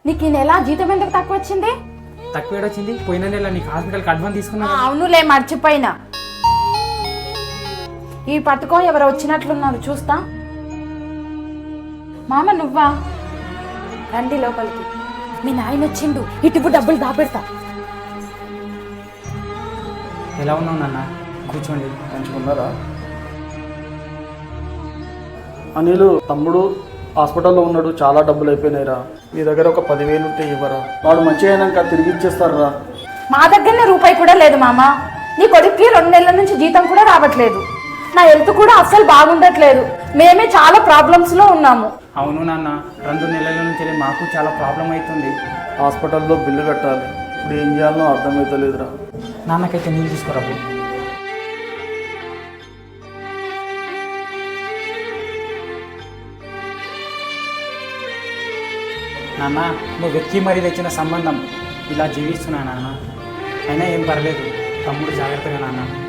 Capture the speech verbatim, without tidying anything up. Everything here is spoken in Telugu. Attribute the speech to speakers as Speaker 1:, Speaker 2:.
Speaker 1: నీకు ఈ నెల జీతం ఎందుకు తక్కువ వచ్చింది?
Speaker 2: తక్కువ వచ్చింది పోయిన నెల నీకు హాస్పిటల్కి అడ్వాన్స్ తీసుకున్నా.
Speaker 1: అవునులే మర్చిపోయినా. ఈ పట్టుకో, ఎవరు వచ్చినట్లున్నారు చూస్తా. మామ నువ్వా? రండి లోపలికి. మీ నాయన వచ్చిండు, ఇటుపు డబ్బులు దాపెడతా.
Speaker 2: ఎలా ఉన్నావు నాన్న? కూర్చోండి.
Speaker 3: మంచిగున్నారా? అనిలు తమ్ముడు హాస్పిటల్లో ఉన్నాడు, చాలా డబ్బులు అయిపోయినాయిరా. మీ దగ్గర ఒక పదివేలు ఉంటే ఇవ్వరా? వాడు మంచిగా అయినాక తిరిగి ఇచ్చేస్తారా?
Speaker 1: మా దగ్గరనే రూపాయి కూడా లేదు మామ. నీ కొడుక్కి రెండు నెలల నుంచి జీతం కూడా రావట్లేదు. నా హెల్త్ కూడా అస్సలు బాగుండట్లేదు. మేమే చాలా ప్రాబ్లమ్స్ లో ఉన్నాము.
Speaker 2: అవును నాన్న, రెండు నెలల నుంచి మాకు చాలా ప్రాబ్లం అవుతుంది.
Speaker 3: హాస్పిటల్లో బిల్లు కట్టాలి, ఇప్పుడు ఏం చేయాలో అర్థమవుతలేదురా.
Speaker 2: నాన్నకైతే నీళ్ళు తీసుకురాబు. నాన్న, నువ్వు వెక్కి మరీ తెచ్చిన సంబంధం ఇలా జీవిస్తున్నా నాన్న. అయినా ఏం పర్లేదు, తమ్ముడు జాగ్రత్తగా నాన్న.